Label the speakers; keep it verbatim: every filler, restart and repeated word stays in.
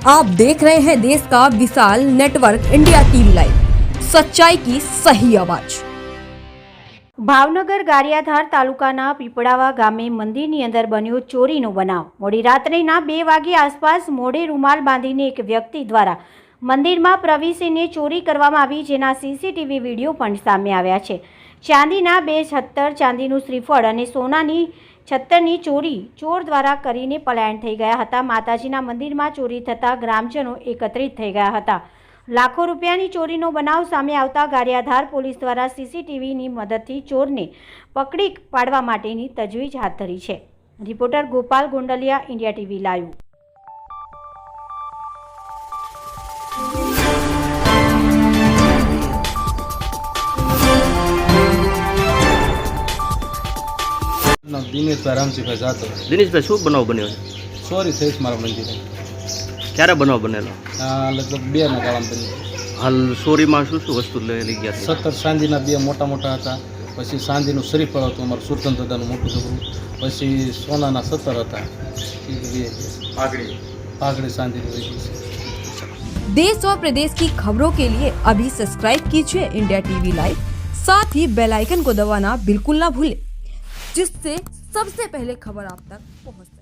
Speaker 1: आप देख रहे हैं देश का विशाल नेटवर्क इंडिया टीवी लाइव, सच्चाई की सही आवाज।
Speaker 2: ભાવનગર ગારિયાધાર તાલુકાના પીપળાવા ગામે મંદિરની અંદર બન્યો ચોરીનો બનાવ। મોડી રાત્રિના બે વાગે આસપાસ મોઢે રૂમાલ બાંધીને એક વ્યક્તિ દ્વારા મંદિરમાં પ્રવેશીને ચોરી કરવામાં આવી, જેના સીસીટીવી વિડીયો પણ સામે આવ્યા છે। ચાંદીના બે છત્તર, ચાંદીનું શ્રીફળ અને સોનાની છત્તરની ચોરી ચોર દ્વારા કરીને પલાયન થઈ ગયા હતા। માતાજીના મંદિરમાં ચોરી થતાં ગ્રામજનો એકત્રિત થઈ ગયા હતા। લાખો રૂપિયાની ચોરીનો બનાવ સામે આવતા ગારિયાધાર પોલીસ દ્વારા સીસીટીવીની મદદથી ચોરને પકડી પાડવા માટેની તજવીજ હાથ ધરી છે। Reporter Gopal Gondaliya, India TV live.
Speaker 3: Dineshbhai Ramjibhai જાતો।
Speaker 4: દિનેશભાઈ, શું બનાવ બન્યો છે?
Speaker 3: સોરી થઈ છે મારા મંદિરે।
Speaker 4: ક્યારે બનાવ બનેલો?
Speaker 3: આ લગભગ બે ના ગાળામાં બન્યું।
Speaker 4: હાલ ચોરીમાં શું શું વસ્તુ લઈ લઈ ગયા?
Speaker 3: સત્તર ચાંદીના બે મોટા મોટા હતા, પછી ચાંદીનું શ્રીફળ હતું અમારું સુરતન દાદાનું મોટું છોકરું, પછી સોનાના સત્તર હતા, પાઘડી પાઘડી ચાંદીની વહી ગઈ છે।
Speaker 1: देश और प्रदेश की खबरों के लिए अभी सब्सक्राइब कीजिए इंडिया टीवी लाइव, साथ ही बेल आइकन को दबाना बिल्कुल ना भूलें, जिससे सबसे पहले खबर आप तक पहुंचे।